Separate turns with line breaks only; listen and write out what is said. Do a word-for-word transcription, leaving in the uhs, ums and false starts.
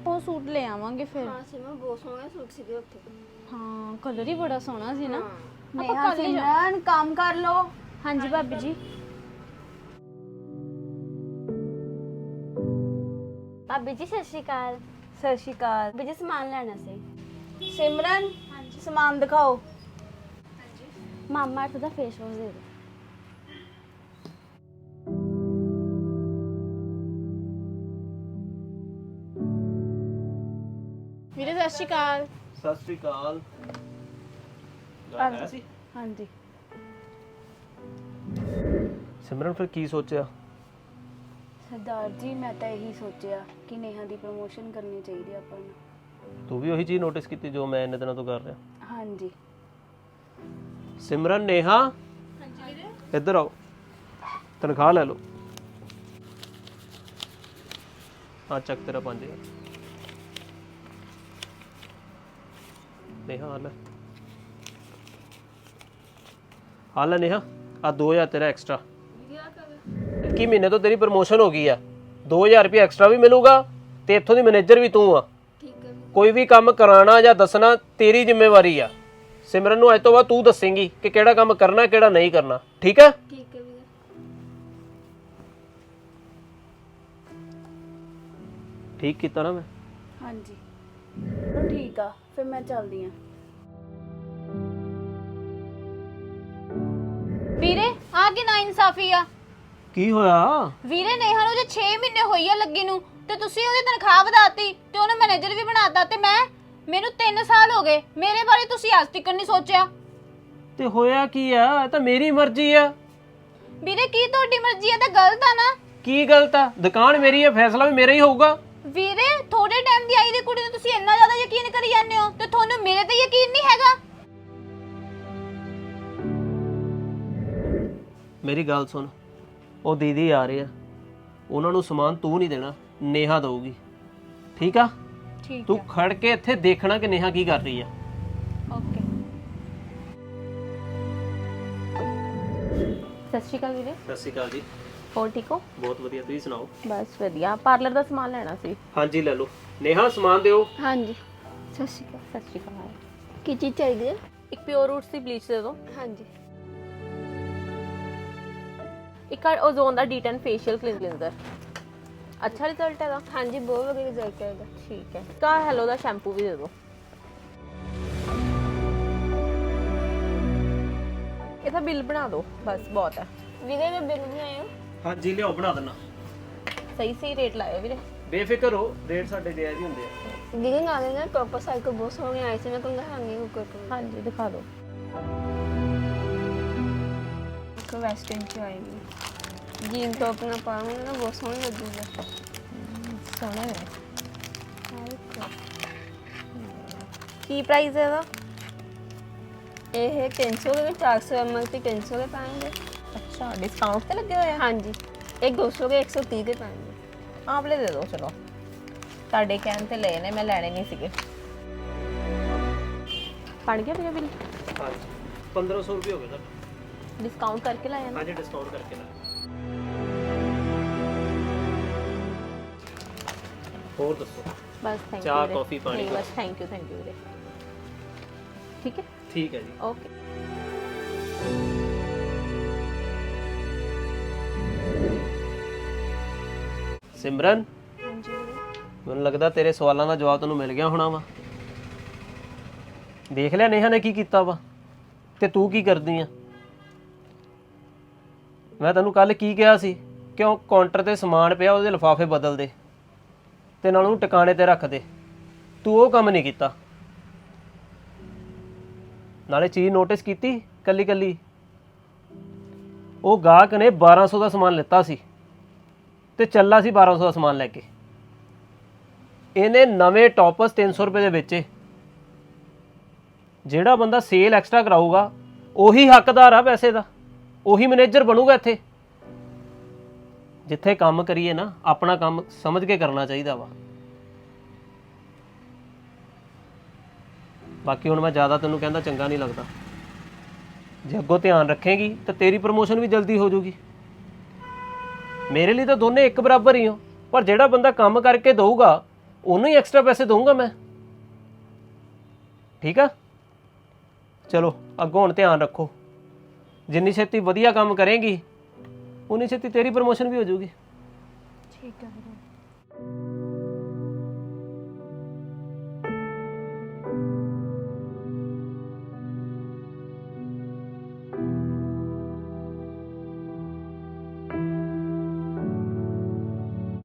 ਉਹ ਸੂਟ ਲੈ ਆਵਾਂਗੇ ਫਿਰ।
ਹਾਂ ਸਿਮਰਨ ਬਹੁਤ ਸੋਹਣੇ ਸੂਟ ਸੀਗੇ ਉੱਥੇ।
ਹਾਂ ਕਲਰ ਹੀ ਬੜਾ ਸੋਹਣਾ ਸੀ ਨਾ।
नेहा सिमरन काम कर लो।
हाँ जी भाभी जी।
ਭਾਬੀ ਜੀ ਸਤਿ ਸ਼੍ਰੀ ਅਕਾਲ।
सत श्री अकाल।
ਭਾਬੀ ਜੀ ਸਮਾਨ ਲੈਣਾ ਸੀ।
सिमरन सामान दिखाओ।
ਮਾਮਾ ਅਰਥ ਦਾ ਫੇਸ ਵਾਸ਼ ਦੇ ਦਿਓ।
ਵੀਰੇ ਸਤਿ ਸ਼੍ਰੀ ਅਕਾਲ।
ਸਤਿ ਸ੍ਰੀ ਅਕਾਲ। ਗੱਲ ਹੈ ਸੀ
हाँ जी
ਸਿਮਰਨ ਫਿਰ ਕੀ ਸੋਚਿਆ?
सरदार जी मैं तो यही सोचा कि नेहा की प्रमोशन करनी चाहिए अपन ਨੂੰ।
ਤੂੰ ਵੀ ਉਹੀ ਚੀਜ਼ ਨੋਟਿਸ ਕੀਤੀ ਜੋ ਮੈਂ ਇੰਨੇ ਦਿਨਾਂ ਤੋਂ ਕਰ ਰਿਹਾ।
हाँ जी
ਸਿਮਰਨ ਨੇਹਾ ਹਾਂਜੀ ਵੀਰੇ ਇੱਧਰ ਆਓ ਤਨਖਾਹ ਲੈ ਲਓ। ਆ ਚੱਕ ਤੇਰਾ ਪੰਜ ਹਜ਼ਾਰ। ਨੇਹਾ ਆ ਲੈ ਆ ਲੈ ਨੇਹਾ ਆ ਦੋ ਹਜ਼ਾਰ ਤੇਰਾ ਐਕਸਟਰਾ। ਇੱਕੀ ਮਹੀਨੇ ਤੋਂ ਤੇਰੀ ਪ੍ਰਮੋਸ਼ਨ ਹੋ ਗਈ ਆ। ਦੋ ਹਜ਼ਾਰ ਰੁਪਏ ਐਕਸਟਰਾ ਵੀ ਮਿਲੂਗਾ ਤੇ ਇੱਥੋਂ ਦੀ ਮੈਨੇਜਰ ਵੀ ਤੂੰ ਆ। ਕੋਈ ਵੀ ਕੰਮ ਕਰਾਉਣਾ ਜਾਂ ਦੱਸਣਾ ਤੇਰੀ ਜ਼ਿੰਮੇਵਾਰੀ ਆ। ਸਿਮਰਨ ਨੂੰ ਅੱਜ ਤੋਂ ਬਾਅਦ ਤੂੰ ਦੱਸੇਂਗੀ ਕਿ ਕਿਹੜਾ ਕੰਮ ਕਰਨਾ ਕਿਹੜਾ ਨਹੀਂ ਕਰਨਾ। ਠੀਕ ਹੈ?
ਠੀਕ ਹੈ ਵੀਰੇ।
ਠੀਕ ਕੀਤਾ ਨਾ ਮੈਂ?
हाँ जी तो ठीक आ फिर मैं चलदी हाँ।
ਵੀਰੇ ਆ ਕਿ ਨਾ ਇਨਸਾਫੀ ਆ।
ਕੀ ਹੋਇਆ?
ਵੀਰੇ ਨੇਹਾ ਨੂੰ ਜੇ ਛੇ ਮਹੀਨੇ ਹੋਈ ਆ ਲੱਗੀ ਨੂੰ ਤੇ ਤੁਸੀਂ ਉਹਦੀ ਤਨਖਾਹ ਵਧਾਤੀ ਤੇ ਉਹਨੇ ਮੈਨੇਜਰ ਵੀ ਬਣਾਤਾ ਤੇ ਮੈਂ ਮੈਨੂੰ ਤਿੰਨ ਸਾਲ ਹੋ ਗਏ। ਮੇਰੇ ਬਾਰੇ ਤੁਸੀਂ ਅੱਜ ਤੱਕ ਨਹੀਂ ਸੋਚਿਆ।
ਤੇ ਹੋਇਆ ਕੀ ਆ? ਇਹ ਤਾਂ ਮੇਰੀ ਮਰਜ਼ੀ ਆ।
ਵੀਰੇ ਕੀ ਤੁਹਾਡੀ ਮਰਜ਼ੀ ਆ ਤਾਂ ਗਲਤ ਆ ਨਾ।
ਕੀ ਗਲਤ ਆ? ਦੁਕਾਨ ਮੇਰੀ ਹੈ, ਫੈਸਲਾ ਵੀ ਮੇਰਾ ਹੀ ਹੋਊਗਾ।
ਵੀਰੇ ਥੋੜੇ ਟਾਈਮ ਦੀ ਆਈ ਦੀ ਕੁੜੀ ਨੂੰ ਤੁਸੀਂ ਇੰਨਾ ਜ਼ਿਆਦਾ ਯਕੀਨ ਕਰੀ ਜਾਂਦੇ ਹੋ ਤੇ ਤੁਹਾਨੂੰ ਮੇਰੇ ਤੇ ਯਕੀਨ ਨਹੀਂ ਹੈਗਾ।
ਮੇਰੀ ਗੱਲ ਸੁਣ, ਉਹ ਦੀਦੀ ਆ ਰਹੇ ਆ, ਉਹਨਾਂ ਨੂੰ ਸਮਾਨ ਤੂੰ ਨਹੀਂ ਦੇਣਾ, ਨੇਹਾ ਦਊਗੀ। ਠੀਕ ਆ?
ਠੀਕ
ਤੂੰ ਖੜ ਕੇ ਇੱਥੇ ਦੇਖਣਾ ਕਿ ਨੇਹਾ ਕੀ ਕਰ ਰਹੀ ਆ।
ਓਕੇ।
ਸਤਿ ਸ਼੍ਰੀ ਅਕਾਲ ਵੀਰੇ।
ਸਤਿ ਸ਼੍ਰੀ ਅਕਾਲ ਜੀ।
ਹੋਰ ਠੀਕ ਹੋ?
ਬਹੁਤ ਵਧੀਆ, ਤੁਸੀਂ ਸੁਣਾਓ?
ਬਸ ਵਧੀਆ। ਪਾਰਲਰ ਦਾ ਸਮਾਨ ਲੈਣਾ ਸੀ।
ਹਾਂਜੀ ਲੈ ਲਓ। ਨੇਹਾ ਸਮਾਨ ਦਿਓ।
ਹਾਂਜੀ ਸਤਿ ਸ਼੍ਰੀ ਅਕਾਲ।
ਸਤਿ ਸ਼੍ਰੀ ਅਕਾਲ।
ਕੀ ਚੀਜ਼ ਚਾਹੀਦੀ ਹੈ?
ਇੱਕ ਪਿਓਰ ਰੂਟਸ ਦੀ ਬਲੀਚ ਦੇ ਦਿਓ।
ਹਾਂਜੀ
ਇੱਕ ਓਜ਼ੋਨ ਦਾ ਡੀ ਟੈਨ ਫੇਸ਼ੀਅਲ ਕਲੀਨਜ਼ਰ। ਅੱਛਾ ਰਿਜ਼ਲਟ ਹੈਗਾ?
ਹਾਂਜੀ ਬਹੁਤ ਵਧੀਆ ਰਿਜ਼ਲਟ ਹੈ ਇਹਦਾ।
ਠੀਕ ਹੈ। ਕਾ ਹੈਲੋ ਦਾ ਸ਼ੈਂਪੂ ਵੀ ਦੇ ਦਿਓ। ਇਹਦਾ ਬਿੱਲ ਬਣਾ ਦਿਓ, ਬਸ ਬਹੁਤ ਹੈ।
ਵੀਰੇ ਮੈਂ ਬਿੱਲ ਬਣਾਇਆ।
ਹਾਂਜੀ ਲਿਆਓ, ਬਣਾ ਦੇਣਾ।
ਸਹੀ ਸਹੀ ਰੇਟ ਲਾਇਓ ਵੀਰੇ।
ਬੇਫਿਕਰ ਹੋ, ਰੇਟ ਸਾਡੇ ਜਾਇਜ਼ ਹੀ ਹੁੰਦੇ ਆ।
ਵੀਰੇ ਨਾਲੇ ਨਾ ਟੌਪਰ ਸਾਈਕਲ ਬਹੁਤ ਸੋਹਣੇ ਆਏ ਸੀ, ਮੈਂ ਤੁਹਾਨੂੰ ਦਿਖਾਉਂਦੀ ਹਾਂ ਕੋਈ ਕੋਈ।
ਹਾਂਜੀ ਦਿਖਾ ਦਿਓ।
ਇੱਕ ਵੈਸਟਰਨ ਚ ਆਏਗੀ ਜੀਨ ਟੌਪ ਨਾਲ ਪਾਉਂਗੇ ਨਾ ਬਹੁਤ ਸੋਹਣੀ ਲੱਗੂਗਾ।
ਸੋਹਣਾ ਹੈ। ਕੀ ਪ੍ਰਾਈਸ ਹੈ ਇਹਦਾ?
ਇਹ ਤਿੰਨ ਸੌ ਦੇ ਚਾਰ ਸੌ ਐਮ ਐਲ ਤੇ ਤਿੰਨ ਸੌ ਦੇ ਪਾएंगे।
ਅੱਛਾ ਡਿਸਕਾਊਂਟ ਤੇ ਲੱਗੇ ਹੋਏ ਆ?
ਹਾਂਜੀ ਇਹ ਦੋ ਸੌ ਦੇ ਇੱਕ ਸੌ ਤੀਹ ਦੇ ਪਾएंगे।
ਆਵਲੇ ਦੇ ਦਿਓ। ਚਲੋ ਤੁਹਾਡੇ ਕਹਿਣ ਤੇ ਲਏ ਨੇ, ਮੈਂ ਲੈਣੇ ਨਹੀਂ ਸੀਗੇ। ਪੜ ਗਿਆ ਵੀਰੇ ਬਿੱਲ?
ਹਾਂਜੀ ਪੰਦਰਾਂ ਸੌ ਰੁਪਏ ਹੋ ਗਏ ਤੁਹਾਡੇ।
डिस्काउंट करके लाया ना?
हाँ जी डिस्काउंट करके लाया। और दसो।
बस थैंक यू।
चाय कॉफी पानी
नहीं बस थैंक यू थैंक यू वीरे। ठीक है
ठीक है जी।
ओके।
सिमरन
ਹਾਂਜੀ ਵੀਰੇ
ਮੈਨੂੰ ਲੱਗਦਾ ਤੇਰੇ ਸਵਾਲਾਂ ਦਾ ਜਵਾਬ ਤੈਨੂੰ ਮਿਲ ਗਿਆ ਹੋਣਾ ਵਾ। ਦੇਖ ਲਿਆ ਨੇਹਾ ਨੇ ਕੀ ਕੀਤਾ ਵਾ ਤੇ ਤੂੰ ਕੀ ਕਰਦੀ ਆ। ਮੈਂ ਤੈਨੂੰ ਕੱਲ ਕੀ ਕਿਹਾ ਸੀ, ਕਿਉਂ ਕਾਊਂਟਰ ਤੇ ਸਮਾਨ ਪਿਆ ਉਹਦੇ ਲਿਫਾਫੇ ਬਦਲ ਦੇ ਤੇ ਨਾਲ ਉਹਨੂੰ ਟਿਕਾਣੇ ਤੇ ਰੱਖ ਦੇ। ਤੂੰ ਉਹ ਕੰਮ ਨਹੀਂ ਕੀਤਾ। ਨਾਲੇ ਚੀਜ਼ ਨੋਟਿਸ ਕੀਤੀ ਕੱਲੀ ਕੱਲੀ, ਉਹ ਗਾਹਕ ਨੇ ਬਾਰਾਂ ਸੌ ਦਾ ਸਮਾਨ ਲਿੱਤਾ ਸੀ ਤੇ ਚੱਲਾ ਸੀ ਬਾਰਾਂ ਸੌ ਦਾ ਸਮਾਨ ਲੈ ਕੇ। ਇਹਨੇ ਨਵੇਂ ਟੌਪਸ ਤਿੰਨ ਸੌ ਰੁਪਏ ਦੇ ਵੇਚੇ। ਜਿਹੜਾ ਬੰਦਾ ਸੇਲ ਐਕਸਟਰਾ ਕਰਾਊਗਾ ਉਹੀ ਹੱਕਦਾਰ ਆ ਪੈਸੇ ਦਾ, ਉਹੀ ਮੈਨੇਜਰ ਬਣੂਗਾ ਇੱਥੇ। ਜਿੱਥੇ ਕੰਮ ਕਰੀਏ ਨਾ ਆਪਣਾ ਕੰਮ ਸਮਝ ਕੇ ਕਰਨਾ ਚਾਹੀਦਾ ਵਾ। ਬਾਕੀ ਹੁਣ ਮੈਂ ਜ਼ਿਆਦਾ ਤੈਨੂੰ ਕਹਿੰਦਾ ਚੰਗਾ ਨਹੀਂ ਲੱਗਦਾ। ਜੇ ਅੱਗੋਂ ਧਿਆਨ ਰੱਖੇਗੀ ਤਾਂ ਤੇਰੀ ਪ੍ਰਮੋਸ਼ਨ ਵੀ ਜਲਦੀ ਹੋ ਜਾਊਗੀ। ਮੇਰੇ ਲਈ ਤਾਂ ਦੋਨੇ ਇੱਕ ਬਰਾਬਰ ਹੀ ਹੋ, ਪਰ ਜਿਹੜਾ ਬੰਦਾ ਕੰਮ ਕਰਕੇ ਦਊਗਾ ਉਹਨੂੰ ਹੀ ਐਕਸਟਰਾ ਪੈਸੇ ਦਊਂਗਾ ਮੈਂ। ਠੀਕ ਆ, ਚਲੋ ਅੱਗੋਂ ਹੁਣ ਧਿਆਨ ਰੱਖੋ, ਜਿੰਨੀ ਛੇਤੀ ਵਧੀਆ ਕੰਮ ਕਰੇਂਗੀ ਉਨੀ ਛੇਤੀ ਤੇਰੀ ਪ੍ਰਮੋਸ਼ਨ ਵੀ ਹੋ ਜਾਊਗੀ।
ਠੀਕ ਹੈ ਵੀਰੇ।